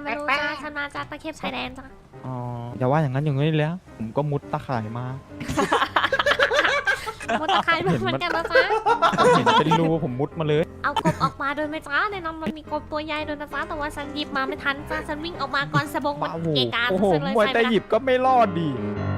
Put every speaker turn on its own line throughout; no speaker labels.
ไม่รู้จ้าฉันมาจากตะเข็บชายแดนจ้า
อ๋ออย่าว่าอย่างนั้นอย่างนี้เลยผมก็มุดตะข่ายมา
มุดตะไคร้เหมือนกันนะจ้า
เห็นเป็นรูผมมุดมาเลย
เอากบออกมาโดยไม่จ้าในนั้นมันมีกบตัวใหญ่โดยนะจ้าแต่ว่าฉันหยิบมาไม่ทันจ้าฉันวิ่งออกมาก่อนสะบงมัน
โอ้โห
เกะกะ
โอ้โห
ฉันเลย
มวย
ใส่
แต่
ไป
หยิบก็ไม่รอดดี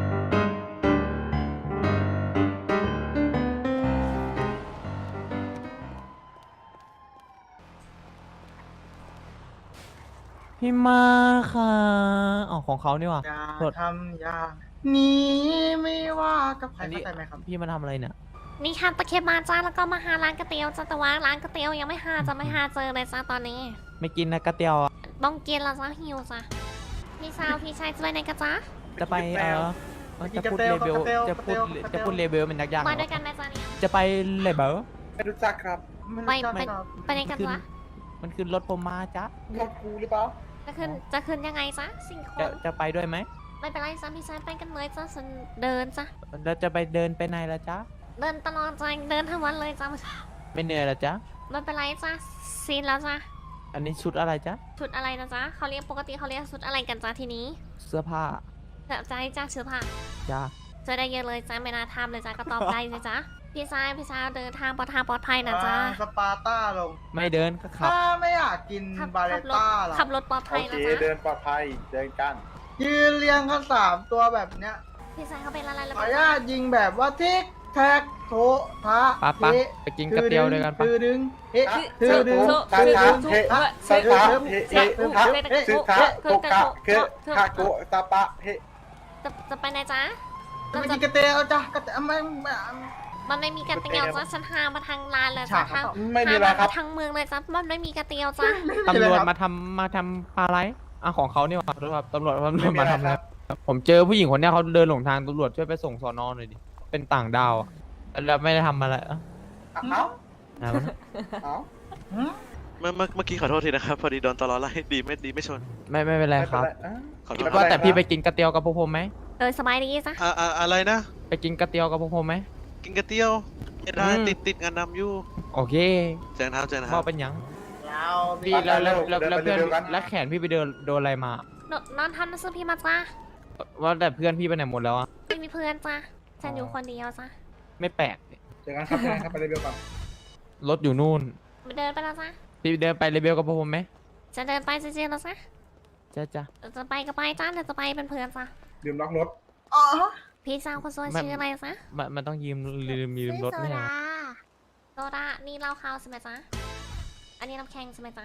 พี่มาค่ะอ๋อของเขานี่หว่า
อย่า
โทษ
ทำอย่างนี้ไม่ว่ากับใคร
อันนี้
เข้าใจไหมครับ
พี่มาทำอะไรเนี่ย
นี่ค่ะตะเข็บมาจ้าแล้วก็มาหาร้านก๋วยเตี๋ยวจ้าแต่ว่าร้านก๋วยเตี๋ยวยังไม่หาจะไม่หาเจอเลยจ้าตอนนี้
ไม่กินนะกระเตียวอะ
ต้องกินแล้วจ้าหิวจ้าพี่สาวพี่ชายจะไปไหนกันจ้า
จะไปจะพูดเลเวลจะพูดเลเวลมันยากๆ
มา
เหร
ด้ว
อย
กันไหมจ้าเนี่ย
จะไปเลเวล
ไม่รู้จักครับ
ไป
ไม่รู้จักครับ
ไปไหนกันจ้า
มันคือรถผมมาจ้ะ
รถกูหรือเปล่า
จะขึ้นยังไงจ้าสี่ค
จะ
น
จะไปด้วยไหม
ไม่เป็นไรจ้าพี่ชายไปกันเลยจ้าฉันเดินจ้า
แล้วจะไปเดินไปไหนละจ๊ะ
เดินตลอดจ้าเดินทั้งวันเลยจ้า
ไม่เหนื่อยละจ๊ะ
ไม่เป็นไรจ้าซีนแล้วจ้า
อันนี้ชุดอะไรจ๊ะ
ชุดอะไรนะจ๊ะเขาเรียกปกติเขาเรียกชุดอะไรกันจ้าทีนี้
เสื้อผ้า
แบบใจจ้าเชื้อผ้า
จ้า
เจอได้เยอะเลยจ้าไม่น่าทำเลยจ้าก็ตอบได้เลยจ้าพี่ชายเดินทางปลอดภัยนะจ้า
สปาร์ต้าลง
ไม่เดินก็ขับ
ถ้าไม่อยากกินบาเลต้าหรอ
ขับรถปลอดภั
โอย เค
นะจ๊ะ
เดินปลอดภัยเดินกัน
ยืนเรียงกัน3 ตัวแบบเนี้ย
พี่ชายเขาเป็นอะไรแล้ว
ขออนุญาตยิงแบบว่าทิกแท็กโถทะ
ปะปะไปกินกระเตียวด้วยกันปะ
คือดึงเฮ้คือดึง
ตาตาเฮตาตาเฮเฮทะซึทะโกกะเคทาโกตาปะเฮ
จะไปไหนจ๊ะ
ไม่กินกระเตียวจ้ะกระเตียวไม่
มันไม่มีกระเตียวจ้ะฉันหามาทางลานเลยจ้ะ
ฉากครับ
ไม่มีอะไรครับ
ทางเมืองเลยจ้ะมันไม่มีกระเตียวจ้ะ
ตำรวจมาทำอะไรอ่ะของเขาเนี่ยครับตำรวจ
ไม่มี
มา
อะไร
ทำอะไร
ครับ
ผมเจอผู้หญิงคนเนี้ยเขาเดินหลงทางตำรวจช่วยไปส่งสอนอหน่อยดิเป็นต่างดาวอะแล้วไม่ได้ทำอะไรอ่ะ
เอ้า
อะไรวะ
เอ้า
เมื่อกี้ขอโทษทีนะครับ พอดีโดนตลอไล่ดีไม่ชน
ไม่เป็นไรครับ
ขอโทษ
ว่าแต่พี่ไปกินกระเตียวกับพวกผมไหม
สบายดีจ้ะ
อะไรนะ
ไปกินกระเตียวกับพวกผมไหม
กินกระเตี้ยวไม่ได้
อืม
ติดงานดำอยู่
โอเค
เจอกันครับ
ว่าเป็นหยัง
ยาว
พี่แล้วเพื่อนแล้วแขนพี่ไปโดนอะไรมา
นอนทันนะซื้อพี่มาจ้ะ
ว่าแต่เพื่อนพี่ไปไหนหมดแล้วอ่ะ
ไม่มีเพื่อนจ้ะฉันอยู่คนเดียวจ้ะ
ไม่แปลก
เจอกันครับเจอกันครับไปเร็วๆก่อน
รถอยู่นู่น
เดินไปแล้วจ้ะ
พี่เดินไปเลเบลกับพวกผมไหม
จะเดินไปจริงๆแล้วจ้ะ
จ้า
จะไปก็ไปจ้ะเดี๋ยวจะไปเป็นเพื่อนจ้ะ
ลืมล็อกรถ
อ๋อ
พี่สาวคนสวยชื่ออะไรจ๊ะ
มันต้องยืมรถ
โซ
แน่
ดาโซดานี่เหล้าขาวใช่ไหมจ๊ะ อันนี้น้ำแข็งใช่ไหมจ๊ะ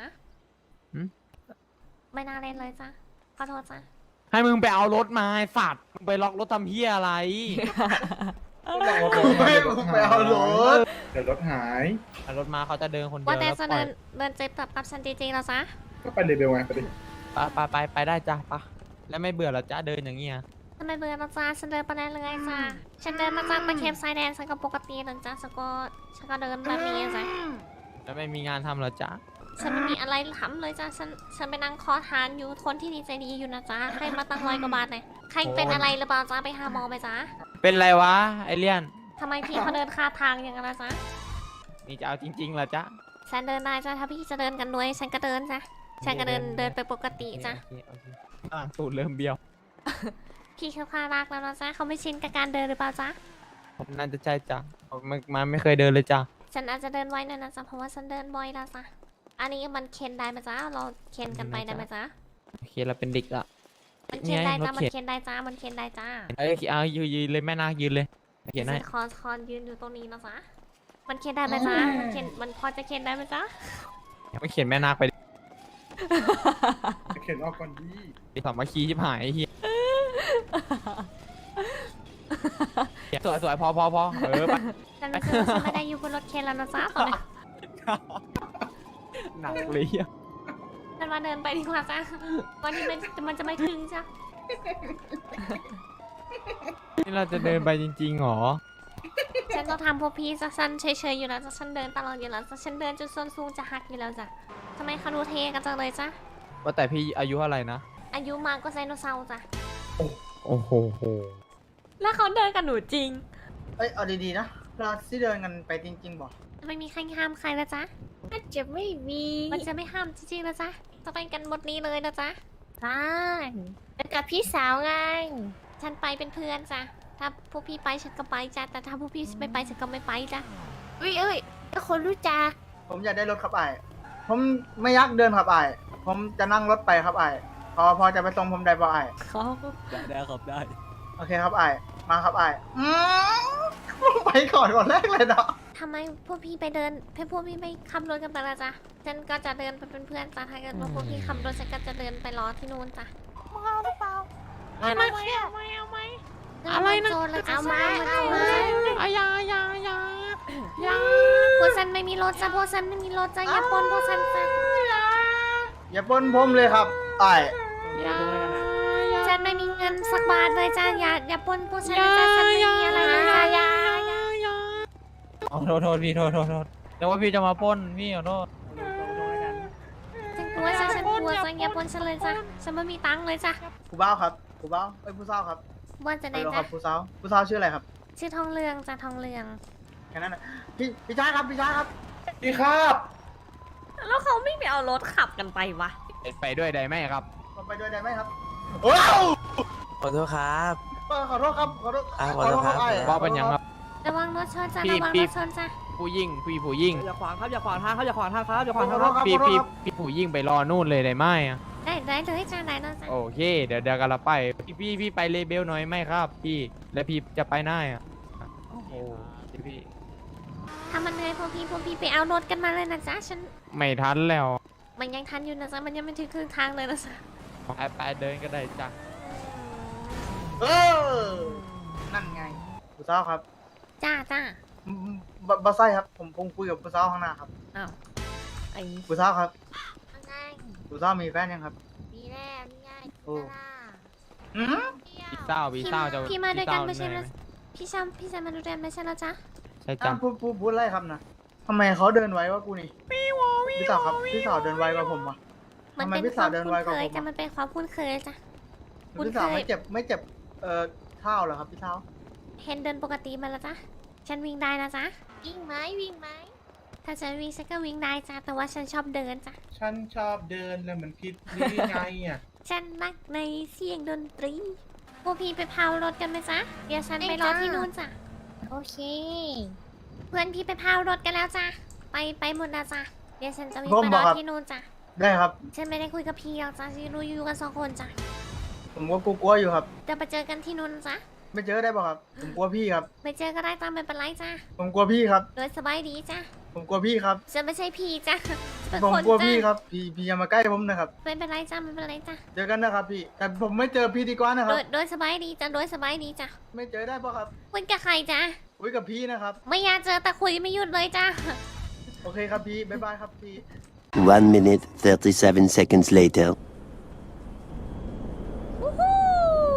ไม่น่าเล่นเลยจ้ะ ขอโทษจ้ะ
ให้มึงไปเอารถมาไอ้สัตว์มึงไปล็อกรถทำเฮียอะไร
ไปเอารถ
เดี๋ยวรถหาย
เอารถมาเขาจะเดินคนเดียว
ว่าแต่
แล้ว
จะ
ปล่
เดิ
อย
นเจ็บกับฉันจริงๆแล้วจ๊ะ
ก็ไปเร็วๆไงไปดิ
ไปได้จ้ะปะแล้วไม่เบื่อเหรอจ้าเดินอย่างเงี้ย
ทำไมเบื่อแล้วจ้ะฉันเดินไปได้เลยจ้ะ ฉันเดินมาจากตะเข็บชายแดนฉันก็ปกติเลยจ้ะฉันก็เดินแบบนี้จ้ะ
แล้วไม่มีงานทำเหรอจ้า
ฉันไม่มีอะไรทำเลยจ้ะ ฉันไปนั่งคอทานอยู่คนที่ดีใจดีอยู่นะจ๊ะ ให้มาตั้ง100 กว่าบาทเลยใครเป็นอะไรหรือเปล่าจ๊ะ ไปหาหมอไหมจ๊ะ
เป็นไรวะไอเลี่ยน
ทำไมพี่เขาเดินคาทางอย่างนั้นล่ะจ๊ะ
นี่จะเอาจริงๆเหรอจ้า
ฉันเดินได้จ้ะ ถ้าพี่จะเดินกันด้วยฉันก็เดินจ้ะ ฉันก็เดินไปปกติจ้ะ
โอเคตูดเริ่มเบี้ยว
พี่เขาพารักแล้วนะจ๊ะเขาไม่ชินกับการเดินหรือเปล่าจ๊ะ
ผมน่าจะใช่จ้ะมันไม่เคยเดินเลยจ้ะ
ฉันอาจจะเดินไว้หน่อยนะจ๊ะ เพราะว่าฉันเดินบ่อยแล้วจ้ะ อันนี้มันเข็นได้ไหมจ๊ะ เราเข็นกันไปได้ไหมจ๊ะ
โอเคเราเป็นเด็กละ
มันเข็นได้จ้ะ
รถ
มัน
เข็น
เข็นได้จ้ะ มันเข็นได้จ้ะ
เอ้ยเอายืนเลยแม่นาคยืนเลยเขียนให้
ฉันคอนยืนอยู่ตรงนี้นะจ๊ะ มันเข็นได้ไหมจ๊ะ มันพอจะเข็นได้ไหมจ๊ะ
ไม่เขียนแม่นาคไป
เข็นออกก่อนดี
สามัคคีชิบหายไอ้เฮียสวยพอไป
ฉันรู้สึกว่าฉันไม่ได้อยู่บนรถเข็นแล้วนะจ๊ะตอนนี้
หนักเลยอ่ะ
ฉันมาเดินไปดีกว่าจ้ะวันนี้มันจะไม่ถึงจ้ะ
นี่เราจะเดินไปจริงๆหรอ
ฉันต้องทำพวกพี่จ้ะฉันเฉยๆอยู่แล้วจ้ะฉันเดินตลอดอยู่แล้วจ้ะฉันเดินจนส้นสูงจะหักอยู่แล้วจ้ะทำไมเขาดูเท่กันจังเลยจ้ะ
ว่าแต่พี่อายุเท่าไหร่นะ
อายุมากกว่าไดโนเสาร์จ้ะ
โอ้โห
แล้วเขาเดินกับหนูจริง
เอ้ยเอาดีๆนะเราที่เดินกันไปจริงๆบอก
ไม่มีใครห้ามใครนะจ๊ะอาจจะไม่มีมันจะไม่ห้ามจริงๆนะจ๊ะจะไปกันหมดนี้เลยนะจ๊ะใช่ไปกับพี่สาวไง ฉันไปเป็นเพื่อนจ้ะ ถ้าพวกพี่ไปฉันก็ไปจ้ะ แต่ถ้าพวกพี่ไม่ไปฉันก็ไม่ไปจ้ะเอ้ยก็คนรู้จัก
ผมอยากได้รถครับไอ้ผมไม่อยากเดินครับไอ้ผมจะนั่งรถไปครับไอ้พอจะไปส่งผมได้ป่ะไอ้
ได้ครับได้
โอเคครับไอ้มาครับไอ้ผมไปก่อนแรกเลยเนาะ
ทำไมพวกพี่ไปเดินพวกพี่ไม่ขับรถกันไปละจ้ะ ฉันก็จะเดินไปเป็นเพื่อนจ้ะ ถ้าเกิดว่าพวกพี่ขับรถฉันก็จะเดินไปรอที่นู่นจ้ะ
อะไรนะ
อะไรนะเอาไหม
อยา
พวกฉันไม่มีรถจ้ะพวกฉันไม่มีรถจ้ะอย่าปนพวกฉันจ้ะ
อย่าปนผมเลยครับไอ้
ฉันไม่มีเงินสักบาทเลยจ้ะอย่าปนพวกฉันเลยจ้ะฉันไม่มีอะไรเลยจ้ะอย่า
อ๋อโทษพี่โทษแต่ว่าพี่จะมาปล้นพี่ขอโทษ
ฉันกลัวจ้ะฉันกลัวจ้ะอย่าปนฉันเลยจ้ะฉันไม่มีตังค์เลยจ้ะ
ผู้บ่าวครับผู้บ่าวเอ้ยผู้สาวครับ
บ้านจะไหน
ฮัลโหลค
จ้ะ
รับผู้สาวชื่ออะไรครับ
ชื่อทองเรืองจ้ะทองเรือง
แค่นั้นนะพี่ชายครับ
พี่ครับ
แล้วเขาไม่ไปเอารถขับกันไปวะ
ไปด้วยได้ไหมครับ
ผมไปด้วยได้ไหมครับว้าว
ขอโทษครับ
ขอโทษครับขอโทษ
ขอโทษครับ
ไอ้
บอกเป็นยังครับ
ระวังรถชนจ้ะ
พี่
ระวัง
พี่
รถชนจ้ะ
ผู้ยิ่ง
อย่าขวางครับอย่าขวางทางครับอย่าขวางทางครับอย่าขวางทาง
ขอ
ค
โท
รั
ษ
บ
ครับ
พี่
ขอโทษ
พี่
ครับ
พี่ผู้ยิ่งไปรอนู่นเลยได้ไหมอะ
ได้เลยจ้ะได้เลยจ้ะ
โอเค เดี๋ยวกันละไปพี่ไปเลเบลหน่อยไหมครับ พี่แล้วพี่จะไปไหนอะโอ้โหพี่
ถ้ามันเหนื่อยพวกพี่ไปเอารถกันมาเลยนะจ๊ะฉัน
ไม่ทันแล้ว
มันยังทันอยู่นะจ๊ะมันยังไม่ถึงครึ่งทางเลยนะจ๊ะ
ไปเดินก็ได้จ้ะ
เออนั่นไงผู้สาวครับ
จ้า
บาไซครับผมคุยกับผู้สาวข้างหน้าครับ
อ้าวไอ้
ผู้สาวครับ
ไง
ผู้สาวมีแฟนยังครับ
ดีแล้วนี่ไง
โอ้ อืม
พี่เศร้าจะ
พี่มาด้วยกันไม่
พี่
ใช่
เศ
เหร
ร้า
อพี่ชายมาด้วยกันไม่ใช่เหรอจ๊ะ
ใช่จ้ะ
พูดอะไรครับนะทำไมเขาเดินไวกว่ากูนี่พี่สาวครับพี่สาวเดินไวกว่าผมวะ
มัน
ทำไม
เป็น
พี่
ค
สาว
วาม
เดิน
คุ้
ไวน กว่า
เคย
ผม
จ้ะ
อะ
มันเป็นความคุ้นเคยจ้ะ คุ้น
พี่สาว
เคย
ไม่เจ็บเท้าเหรอครับพี่สาว
เห็นเดินปกติมาแล้วจ้ะฉันวิ่งได้นะจ๊ะวิ่งไหมถ้าฉันวิ่งฉันก็วิ่งได้จ้ะแต่ว่าฉันชอบเดินจ้ะ
ฉันชอบเดินแล้วมันผิดนี่ไงอ่ะ
ฉันรักในเสียงดนตรีพวกพี่ไปพาวรถกันไหมจ๊ะเดี๋ยวฉันไปรอที่นู่นจ้ะโอเค เพื่อนพี่ไปพาวรถกันแล้วจ้ะไปหมดแล้วจ้ะเดี๋ยวฉันจะวิ่งไปรอที่นู่นจ้ะ
ได้ครับ
ฉันไม่ได้คุยกับพี่หรอกจ้ะฉันรู้อยู่กันสองคนจ้ะ
ผมก็กลัวอยู่ครับ
เดี๋ยวไปเจอกันที่นู่นจ้ะ
ไม่เจอได้ป่ะครับ ผมกลัวพี่ครับ
ไปเจอก็ได้จ้ะไม่เป็นไรจ้ะ
ผมกลัวพี่ครับ
โดยสบายดีจ้ะ
ผมกลัวพี่ครับ
ฉันไม่ใช่พี่จ้ะเป็น
ผม
คน
กลัว
จ้ะ
พี่ครับ พี่อย่ามาใกล้ผมนะครับ
ไม่เป็นไรจ้ะไม่เป็นไรจ้ะ
เจอกันนะครับพี่ แต่ผมไม่เจอพี่ดีกว่านะค
โด
รับ
ยโดยสบายดีจ้ะโดยสบายดีจ้ะ
ไม่เจอได้ป่ะครับ
คุยกับใครจ้ะ
คุยกับพี่นะครับ
ไม่อยากเจอแต่คุยไม่หยุดเลยจ้ะ
โอเคครับพี่ บ๊ายบายครับพี่
1 minute 37 seconds later.
วู้ฮู้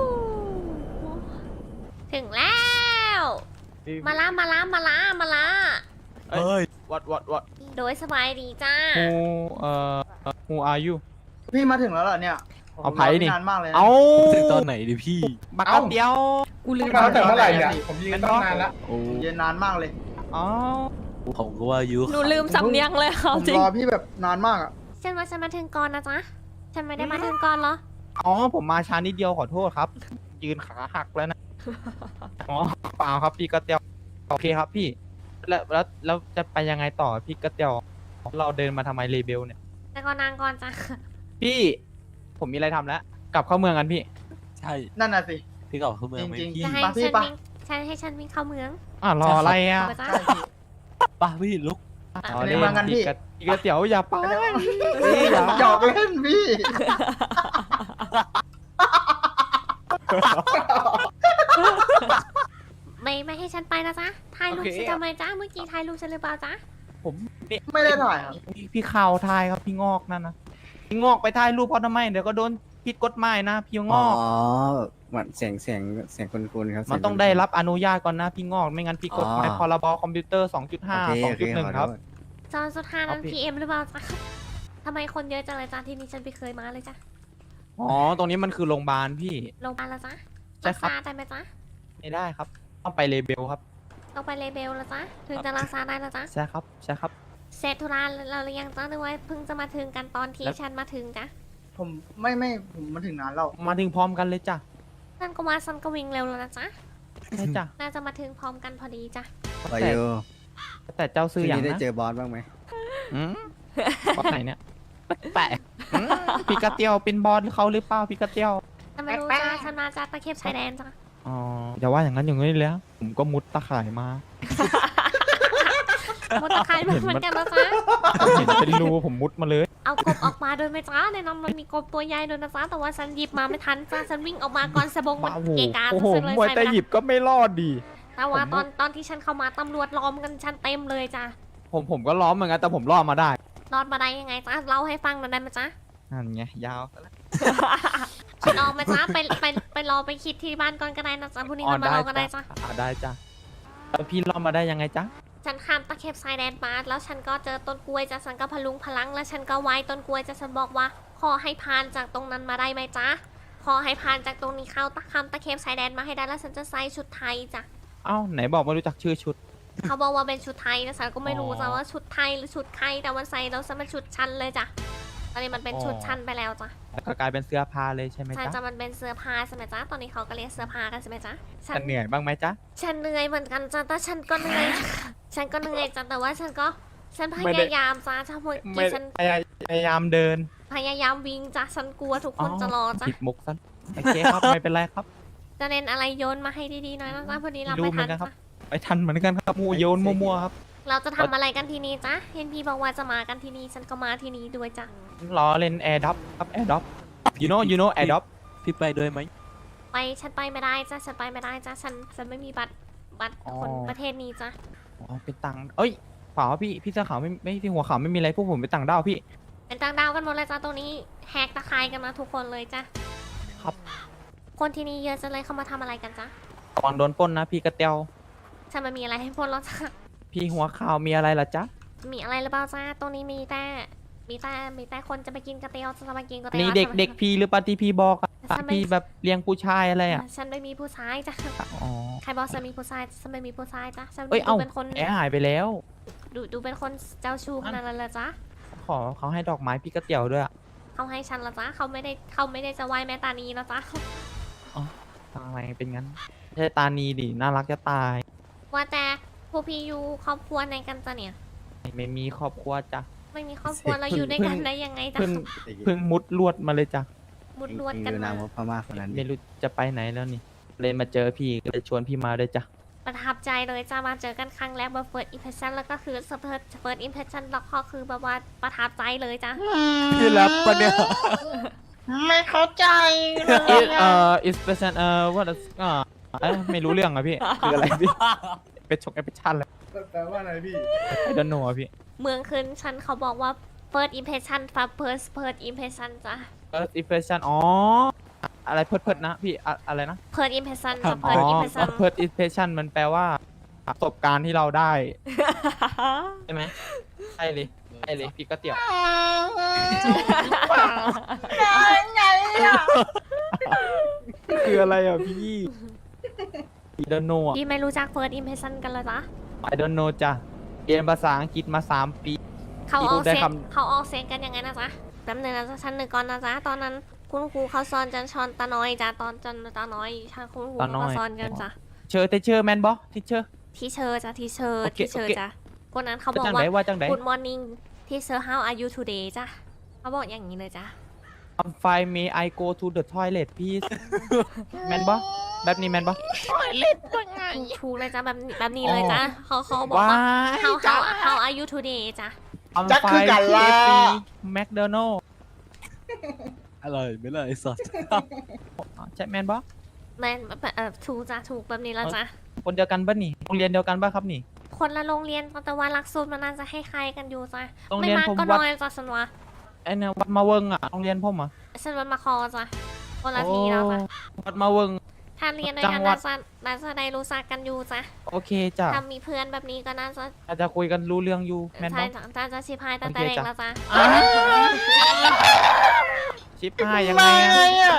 ถึงแล้ว มาละ
เฮ้ย what
โดยสบายดีจ้า
who are you
พี่มาถึงแล้วเหรอเนี่ย
เอาไผ่นี่
นานมากเลยนะ
เอา
ถึงตอนไหนดิพี่
บักแป๊บเดียว
กูลืมมาตั้งแต่เมื่อไหร่เนี่ย ผมยืนตั้งนานแล้ว
โอ้
เย็นนานมากเลย
อ๋อ
ผมก็ว่ายุ
หนูลืมสำเนียงเลยค่ะ
ผม
จริง
รอพี่แบบนานมากอ่ะ
ฉันว่าฉันมาถึงก่อนนะจ๊ะ ฉันไม่ได้มาถึงก่อนเหรอ
อ๋อ ผมมาช้านิดเดียวขอโทษครับ ยืนขาหักแล้วนะ อ๋อ เปล่าครับพี่กระเตียว โอเคครับพี่ แล้วจะไปยังไงต่อพี่กระเตียว เราเดินมาทำไมเลเบลเนี่ย
แต่ก่อนนางก่อนจ้ะ
พี่ ผมมีอะไรทำแล้ว กลับเข้าเมืองกันพี่
ใช่
นั่นน่ะสิ
พี่เก่าเข้าเมืองไหม
จริงๆ
พี่
จะให้
ไปพี่
ฉัน
ไป
วิ่งฉันให้ฉันวิ่งเข้าเมือง
รออะไรอ่ะ
ไปจ้ะ
ใช่พี่
ป่ะพี่ลุก
อ๋อ
ไปเมืองกันพี่
พี่กระเตียวอย่าไป
พี่หยอกเล่นพี่
ไม่ให้ฉันไปนะจ๊ะ ถ่ายรูป
โอเค
ฉันทำไมจ๊ะ เมื่อกี้ถ่ายรูปฉันหรือเปล่าจ๊ะ
ผมนี่
ไม่ได้ถ่ายครับ
พี่ข่าวทายครับพี่งอกนั่นนะพี่งอกไปถ่ายรูปเขาทำไมเดี๋ยวก็โดนผิดกฎหมายนะพี่ง
อ๋อ
อก
เหมือนเสียงคุณครับ
มันต้องได้รับอนุญาตก่อนนะพี่งอกไม่งั้นพี่กฎหมายพรบคอมพิวเตอร์
โอเค
2.5
โอเคขอ
2.1
โท
ครับ
ษ
จอนสุดท้ายนั้น
เอาพี่
PM หรือเปล่าจ๊ะ ทำไมคนเยอะจังเลยจ๊ะที่นี่ฉันไม่เคยมาเลยจ้ะ
อ๋อ ตรงนี้มันคือโรงพยาบาลพี่
โรงพยาบาลละจ๊ะ
ใช่ครับ
รักษาได้ไหมจ๊ะ
ไม่ได้ครับ ต้องไปเลเบลครับ
ต้องไปเลเบลละจ๊ะ ถึงจะรักษาได้ละจ๊ะ
ใช่ครับ ใช่ครับ
เสร็จธุระเราหรือยังจ๊ะหรือว่าเพิ่งจะมาถึงกันตอนที่
แล้ว
ฉันมาถึงจ๊ะ
ผมผมมาถึงนานแล้ว
มาถึงพร้อมกันเลยจ้ะ
นั่นก็มาซันก็วิ่งเร็วแล้วนะจ๊ะ
ใช่จ้ะ
น่าจะมาถึงพร้อมกันพอดีจ้ะ
วายุ
แต่เจ้าซื้ออย่าง
นี้ได้
นะ
เจอบอสบ้างไหม
อืมบอสไหนเนี่ยแปลกๆอืมพี่กระเตียวเป็นบอสเขาหรือเปล่าพี่กระเตียว
ฉันไม่รู้จ้ะฉันมาจากตะเข็บชายแดนจ้ะ
อ๋ออย่าว่าอย่างนั้นอย่างนี้เลยนะผมก็มุดตะข่ายมา
มดตะไคร้เหมือนกันนะจ๊ะ
เห็นเป็นรูผมมุดมาเลย
เอากบออกมาโดยไม่จ้าในนั้นมันมีกบตัวใหญ่ด้วยนะจ๊ะแต่ว่าฉันหยิบมาไม่ทันจ้ะฉันวิ่งออกมาก่อนสะบงมัน
บ้าโห
เกะกะ
โอ้โห
ฉันเลย
มวย
ใช่
แต่
ไหม
หยิบก็ไม่รอดดี
แต่ว่า
ผม
ตอนที่ฉันเข้ามาตำรวจล้อมกันฉันเต็มเลยจ้ะ
ผมก็ล้อมเหมือนกันแต่ผมรอดมาได้
รอดมาได้ยังไงจ๊ะเล่าให้ฟังหน่อยได้ไหมจ๊ะ
นั่นไงยาว
ฉันออกมาจ้ะไปรอไปคิดที่บ้านก่อนก็ได้นะจ๊ะพรุ่งนี้
อ๋อ
เรามา
ได้
รอกันได้
จ้ะ
จ้ะ
ได้จ้ะแล้วพี่รอดมาได้ยังไงจ๊ะ
ฉันข้ามตะเข็บชายแดนมาแล้วฉันก็เจอต้นกล้วยจ้ะฉันก็พลุงพลังแล้วฉันก็ไหว้ต้นกล้วยจ้ะฉันบอกว่าขอให้ผ่านจากตรงนั้นมาได้ไหมจ๊ะขอให้ผ่านจากตรงนี้เข้าข้ามตะเข็บชายแดนมาให้ได้แล้วฉันจะใส่ชุดไทยจ้ะ
เอ้าไหนบอกไม่รู้จักชื่อชุด
เขาบอกว่าเป็นชุดไทยนะฉันก็ไม่รู้
อ๋อ
จ้ะว่าชุดไทยหรือชุดใครแต่วันใส่แล้วฉันเป็นชุดชั้นเลยจ้ะตอนนี้มันเป็น
อ๋อ
ชุดชั้นไปแล้วจ้ะ
แล้วก็กลายเป็นเสื้อผ้าเลยใช่ไหม
ใช่
จ๊ะ
จ้ะมันเป็นเสื้อผ้าใช่ไหมจ๊ะตอนนี้เขาก็เรียกเสื้อผ้ากันใช่ไหมจ๊ะฉัน
จะเหนื่อยบ้างไหมจ๊ะ
ฉันเหนื่อยเหมือนกันจ้ะแต่ฉันก็เหนื่อย ฉันก็เหนื่อยจ้ะแต่ว่าฉันพ
ไม่ได้
ยายามจ้ะถ้าเมื่อ
ไม่
กี้ฉัน
พยายามเดิน
พยายามวิ่งจ้ะฉันกลัวทุกคนจะรอจ้ะ
ผิดมุกซะโอเคครับ ไม่เป็นไรครับ
จะเน้นอะไรโยนมาให้ดีๆหน่อยนะจ๊ะพอดีเรา
รู้
ไม่
เหมื
ทั
อน นกันครับ
จ้ะ
ไปทันเหมือนกันครับมูโยนมั่วๆครับ
เราจะทำอะไรกันที่นี่จ๊ะเห็นพี่บอกว่าจะมากันที่นี่ฉันก็มาที่นี่ด้วยจ้ะ
รอเล่นแอร์ด็อปครับแอร์ด็อป you know แอร์ด็อป
พี่ไปด้วยไหม
ฉันไปไม่ได้จ้ะฉันไปไม่ได้จ้ะฉันไม่มีบัตรคนประเทศนี้จ้ะ
อ๋อเป็นตังค์เอ้ยเปล่าครับพี่เสื้อขาวไม่ที่หัวขาวไม่มีอะไรพวกผมเป็นต่างด้าวพี่
เป็นต่างดาวกันหมดเลยจ้ะตรงนี้แหกตะไคร้กันมาทุกคนเลยจ้ะ
ครับ
คนที่นี่เยอะจังเลยเขามาทำอะไรกันจ๊ะ
ก่อนโดนปล้นนะพี่กระเตียว
ฉันไม่มีอะไรให้พวกเราจ้ะ
พี่หัวขาวมีอะไรล่ะจ๊ะ
มีอะไรหรือเปล่าจ้าตรงนี้มีแต่คนจะไปกินกระเตียวจะมากินกระเตียว
นี่เด็กพี่หรือปะที่พี่บอกอะ
ฉันไม่
พี่แบบเลี้ยงผู้ชายอะไรอ่ะ
ฉันไม่มีผู้ชายจ้ะ
อ๋อ
ใครบอกฉันมีผู้ชายฉันไม่มีผู้ชายจ้ะฉัน
เอ้ย
ดู
เอ้า
เป็นคน
แอร์หายไปแล้ว
ดูเป็นคนเจ้าชู้ขนาดนั้นเลยจ้ะ
ขอเขาให้ดอกไม้พี่กระเตียวด้วยอะ
เขาให้ฉันละจ้ะเขาไม่ได้จะไหวแม่ตานีแล้วจ้ะ
ทำไมเป็นงั้นไม่ใช่ตานีดิน่ารักจะตาย
ว่าแต่พวกพี่อยู่ครอบครัวในกันจ้ะเนี่ย
ไม่มีครอบครัวจ้ะ
ไม่มีครอบครัวเราอยู่ด้วยกันได้ยังไงจ้ะ
เพิ่งมุดลวดมาเลยจ้ะ
มุดลวดกัน
ดู
มา
นางว่าพม่าคนนั้น
ไม่รู้จะไปไหนแล้วนี่เลยมาเจอพี่ก็เลยชวนพี่มาด้วยจ้ะ
ประทับใจเลยจ้ะมาเจอกันครั้งแรกแบบ first impression แล้วก็คือ first impression แล้วก็คือแบบว่าประทับใจเลยจ้ะ
พี่รับปะเนี่ย
ไม่เข้าใจเลย
is person what is ไม่รู้เรื่องอะพี่ คืออะไรพี่ เป็นชกแอปเปิลชั่นเลย
แปลว่าอะไรพี่
I don't know อะพี่
เมืองขึ้นฉันเขาบอกว่า first impression first impression จ้ะ
first impression อ๋อ อะไรเพิดๆนะพี่อะไรนะ
first impression จ้ะ
อ๋อ
first impression
first impression มันแปลว่าประสบการณ์ที่เราได้ ใช่ไหมใช่เลยใช่เลยพี่ก็เตี่ยว
ไงอ่ะ
คืออะไรอ่ะพี่ I don't know อ่ะ
พี่ไม่รู้จัก first impression กันเลยจ้ะ
I don't know จ้ะเรียนภาษาอังกฤษมา3 ปี
เขาออก
ได้
เสียง
คำ
เขาออกเสียงกันยังไงนะจ๊ะแป๊บนึงนะจ๊ะชั้นหนึ่งก่อนนะจ๊ะตอนนั้นคุณครูเขาสอนจันชอนตาน้อยจ้ะตอนจันตาน้อยใช่คุณครูเขาก็สอนกันจ้ะ
เชอร์เชอร์แมนบอทิเชอร์
ทีเชอร์จ้ะทีเชอร์
โอเค
ทีเชอร์
โอเค
จ้ะคนนั้นเขาบอก
จัง
ว่า
ไหนว่าจังไหน
Good morning teacher how are you today จ้ะเขาบอกอย่างนี้เลยจ้ะ
I'm fine may I go to the toilet please แมนบอแบบนี้แมนบอ
ถูกเลยจ้ะแบบนี้เลยจ้ะเขาบอก
ว้า
ว่าย how are you today จ้ะ
I'm
จักคือ
fine
กันล่ะ
KFC McDonald
อร่อยไหมล่ะไอ้สัตว์
ใช่แมนบอ
แม่นถูกจ้ะถูกแบบนี้แล้วจ้ะ
คนเดียวกันปะนี่โรงเรียนเดียวกันปะครับนี่
คนละโรงเรียนแต่ว่าหลักสูตรมันน่าจะให้ใครกันอยู่จ้ะ
โรง
ไม่
เรียน
มาก
ผม
ก็
วัด
น้อยจ้ะสันวะ
ไอ้เนี่ยวัดมาเวิงอ่ะโรงเรียนผมอ่ะ
ฉันวันมาคอจ้ะคนละทีแล้วจ้ะ
วัดมาเวิง
ถ้าเรียนด้วยกัน
จังหวัด
น่าจะได้รู้จักกันอยู่จ้ะ
โอเคจ้ะ
ถ้ามีเพื่อนแบบนี้ก็น่าจะ
อาจจะคุยกันรู้เรื่องอยู่แมนบ
ใช่
อ
จ้ะน่าจะชิพายตั้งแต่
โอเค
เด็ก
จ้ะ
แล้วจ้ะ
ชิปห้ายังไงอะ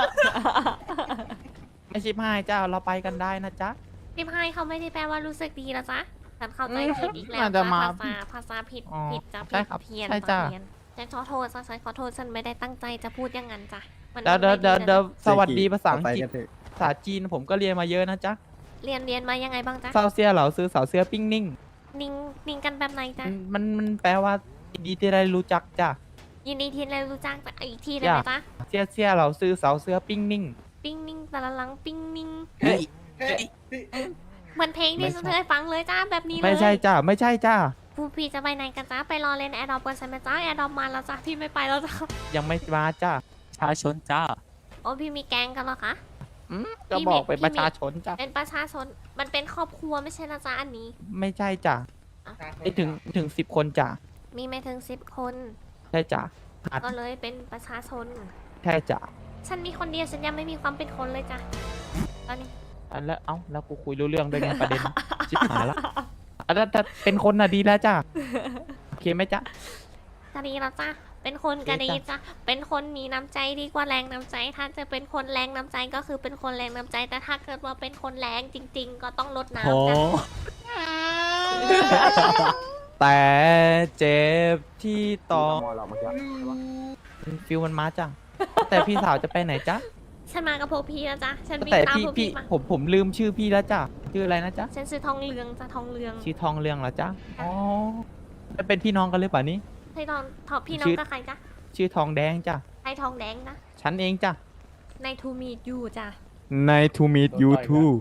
ไม่ชิปห้าจ้าเราไปกันได้นะจ๊ะ
ชิพายเขาไม่ได้แปลว่ารู้สึกดีแล้วจ้ะฉันเข้าใจผิดอีกแล้ว
น่าจะมา
ภาษาผิด
อ๋อ
ผิดจ้ะ
ใช่ครับ
เพี้ยน
ใช่จ้ะ
เพี้ยนฉันขอโทษจ้ะฉันขอโทษฉันไม่ได้ตั้งใจจะพูดอย่างนั้นจ้ะมัน
เดี๋ยวเดี๋ยว
ไม่
เดี๋ยว
นะ
เดี๋ยวสวัสดีภาษา
ต่
อั
อง ไป
กฤษ
กันเถอะ
ภาษาจีนผมก็เรียนมาเยอะนะจ๊ะ
เรียนมายังไงบ้างจ๊ะ
เซาเซียเหล่าซื้อเสาเสือปิ้งนิ่ง
นิ่งกันแบบไหนจ๊ะ
มันแปลว่ายินดีที่ได้รู้จักจ้ะ
ยินดีที่ได้รู้จักจ้ะอีกทีได้ไหมจ๊ะ
เซียเซียเหล่าซื้อเสาเสือปิ้งนิ่ง
ปิ้งนิ่งแต่ละหลังปิ้งนิ่ง
เฮ้ย
เฮ้ย
เหมือนเพลงที่ฉันเคยฟังเลยจ้าแบบนี้เลย
ไม่ใช่จ้ะไม่ใช่จ้ะ
ผู้พี่จะไปไหนกันจ้าไปรอเล่นแอร์ดรอปกันใช่ไหมจ้าแอร์ดรอปมาแล้วจ้าพี่ไม่ไปแล้วจ้า
ยังไม่มาจ้ะ
ชาชนจ้า
โอ้พี่มีแก๊งกันเหรอคะ
ก็บอกเป็นประชาชนจ้ะ
เป็นประชาชนมันเป็นครอบครัวไม่ใช่นะจ้าอันนี้
ไม่ใช่จ้ะไม่ถึง10 คนจ้ะ
มีไม่ถึง10 คน
ใช่จ้ะขาด
ก็เลยเป็นประชาชน
ใช่จ้ะ
ฉันมีคนเดียวฉันยังไม่มีความเป็นคนเลยจ้ะตอนนี้
อันแล้วแล้วกูคุยรู้เรื่องด้วยไงประเด็น ชิบหายละอันนั้นถ้าเป็นคนน่ะดีแล้วจ้ะโอเคไหมจ๊ะ
ก็ดีแล้วจ้าเป็นคนก็ดีจ้ะเป็นคนมีน้ำใจดีกว่าแรงน้ำใจ ถ้าจะเป็นคนแรงน้ำใจก็คือเป็นคนแรงน้ำใจ แต่ถ้าเกิดว่าเป็นคนแรงจริง ๆ ก็ต้องลด
โห
น้ำจ้ะ
แต่เจ็บที่ต้องฟิลมันมาจ้ะแต่พี่สาวจะไปไหนจ๊ะ
ฉันมากับพวกพี่นะจ๊ะ ฉันวิ่ง
แต่
ตาม
พี่
พวก
พี่
พี่มา
ผมลืมชื่อพี่แล้วจ้ะชื่ออะไรนะจ๊ะ
ฉันซื้อทองเหลืองจ้ะทองเหลือง
ชื่อทองเรืองเหรอจ๊ะอ๋อแล้วเป็นพี่น้องกันหรือเปล่านี่
ให้ทองทองพี่น้อ
ชื่
ง
อ
กับใครจ๊ะ
ชื่อทองแดงจ้ะ
ให้ทองแดงนะ
ฉันเองจ้ะ
ในทูมีดอยู่จ้ะ
ใน to meet you too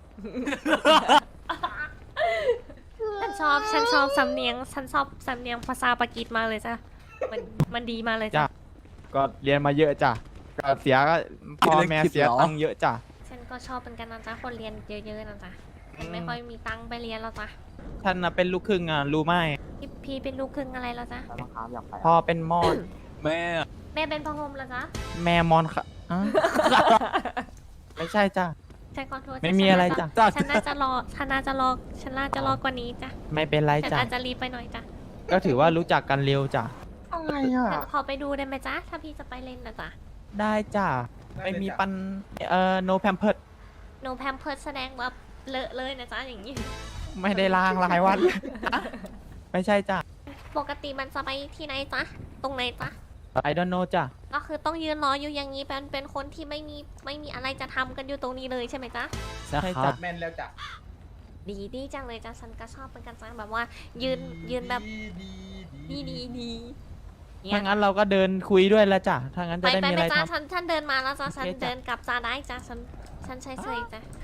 ฉันชอบสำเนียงภาษาปากีสมากเลยจ้ะมันดีมากเลยจ้ะ
จ้ะ ก็เรียนมาเยอะจ้ะก็เสียก็พ่อแม่เสียตังค์เยอะจ้ะ
ฉันก็ชอบเป็นกันนะจ๊ะคนเรียนเยอะๆนะจ๊ะฉันไม่ค่อยมีตังค์ไปเรียนแล้วจ้ะ
ท่านน่ะเป็นลูกครึ่งอ่ะรู้ไหม
พี่เป็นลูกครึ่งอะไรแล้วจ๊ะ
พ่อเป็นมอญ
แม่
แม่เป็นพะโฮมแล้วจ๊ะ
แม่มอญค่ะอ่ะไม่ใช่จ้ะ
ฉันขอโทษ
ไม่มีอะไรจ้ะ
ฉันน่าจะรอกว่านี้จ้ะ
ไม่เป็นไร
ฉัน
จ้ะ
อาจจะรีบไปหน่อยจ้ะ
ก็ถือว่ารู้จักกันเร็วจ้ะ
อะไรอ่ะ
ฉันขอไปดูได้ไหมจ๊ะ ถ้าพี่จะไปเล่นนะจ๊ะ
ได้จ้ะไม่มีปันno pamper
โนแพมเพิร์แสดงว่าเลอะเลยนะจ๊ะอย่างนี้
ไม่ได้ล้างหลายวัน ไม่ใช่จ้ะ
ปกติมันจะไปที่ไหนจ๊ะ ตรงไหนจ๊ะ
I don't know จ้ะ
ก็คือต้องยืนรออยู่อย่างนี้เป็นคนที่ไม่มีอะไรจะทำกันอยู่ตรงนี้เลยใช่ไหมจ๊ะ
ใช่
ใช่
ครั
จ้ะ
บ
แม่นแล้วจ้ะ
ดีจังเลยจ้ะฉันก็ชอบเป็นกันจังแบบว่า ยืนแบบดีเนี่
ถ้าย งั้นเราก็เดินคุยด้วยแล้วจ้ะถ้างั้นจะได้มีอะไร
จ้ะ
ทำ
ฉันเดินมาแล้วจ้ะฉัน
โอเคจ้ะ
เดินกลับจ้าได้จ้ะฉันใช่จ้ะ